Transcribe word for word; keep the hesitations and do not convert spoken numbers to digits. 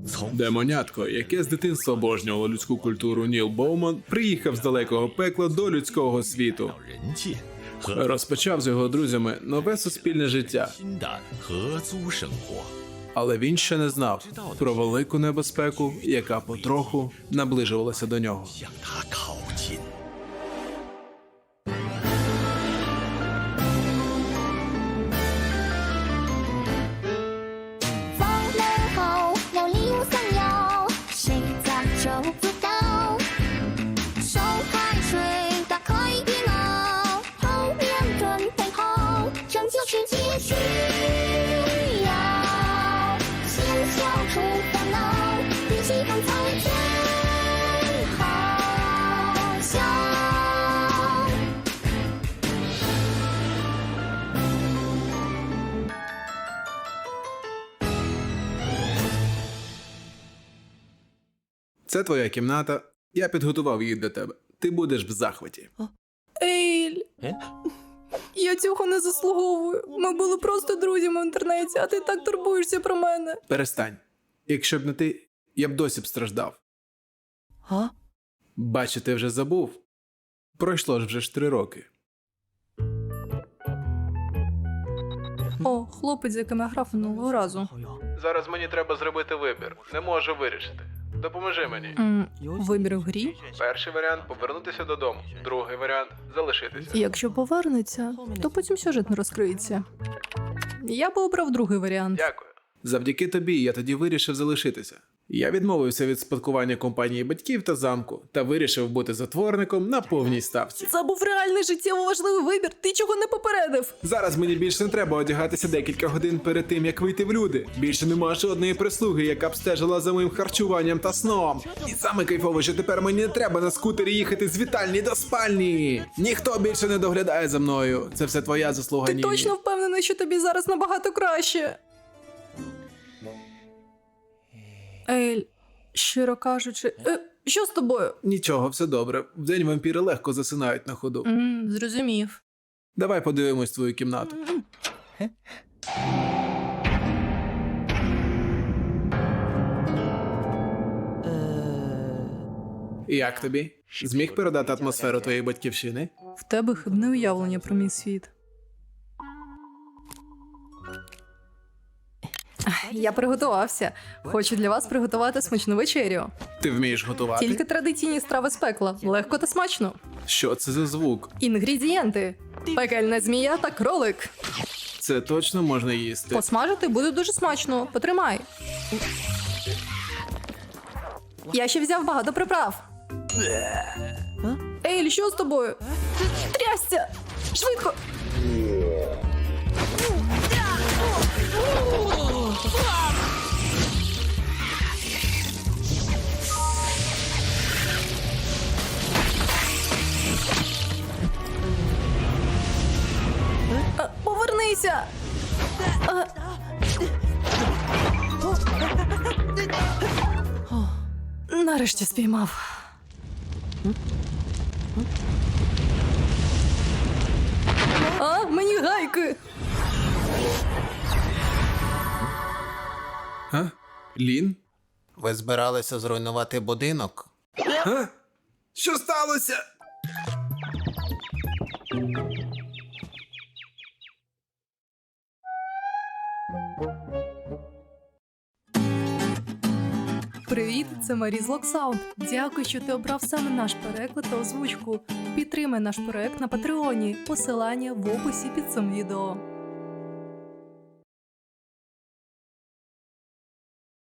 Демонятко, яке з дитинства обожнювало людську культуру Ніл Боуман, приїхав з далекого пекла до людського світу. 人界和 Розпочав з його друзями нове суспільне життя, 新的合租生活。 але він ще не знав про велику небезпеку, яка потроху наближувалася до нього. 向他靠近。 放门后有礼物送哟，谁家就不到。手开水，打开电脑，后面准备好，拯救世界需要。先消除烦恼，比喜欢才最好笑。 Це твоя кімната, я підготував її для тебе. Ти будеш в захваті. Ейль, Е? я цього не заслуговую. Ми були просто друзями в інтернеті, а ти так турбуєшся про мене. Перестань. Якщо б не ти, я б досі б страждав. А? Бачу, ти вже забув. Пройшло ж вже ж три роки. О, хлопець, з яким я грав минулого разу. Зараз мені треба зробити вибір. Не можу вирішити. Допоможи мені. М, вибір в грі? Перший варіант – повернутися додому. Другий варіант – залишитися. Якщо повернеться, то потім сюжет не розкриється. Я би обрав другий варіант. Дякую. Завдяки тобі я тоді вирішив залишитися. Я відмовився від спадкування компанії батьків та замку та вирішив бути затворником на повній ставці. Це був реальний життєво важливий вибір. Ти чого не попередив? Зараз мені більше не треба одягатися декілька годин перед тим, як вийти в люди. Більше нема жодної прислуги, яка б стежила за моїм харчуванням та сном. І саме кайфово, що тепер мені не треба на скутері їхати з вітальні до спальні. Ніхто більше не доглядає за мною. Це все твоя заслуга, Ти Нілі. точно впевнений, що тобі зараз набагато краще? Ейль, щиро кажучи, е, що з тобою? Нічого, все добре. Вдень вампіри легко засинають на ходу. М, зрозумів. Давай подивимось твою кімнату. Як тобі? Зміг передати атмосферу твоєї батьківщини? В тебе хибне уявлення про мій світ. Я приготувався. Хочу для вас приготувати смачну вечерю. Ти вмієш готувати? Тільки традиційні страви з пекла. Легко та смачно. Що це за звук? Інгредієнти: пекельна змія та кролик. Це точно можна їсти? Посмажити буде дуже смачно. Потримай. Я ще взяв багато приправ. Ейль, що з тобою? Трясся! Швидко! А, Повернися! А. О, нарешті спіймав. А, мені гайки! А? Лін? Ви збиралися зруйнувати будинок? А? Що сталося? Привіт, це Марі з Локсаунд. Дякую, що ти обрав саме наш переклад та озвучку. Підтримай наш проект на Патреоні. Посилання в описі під цим відео.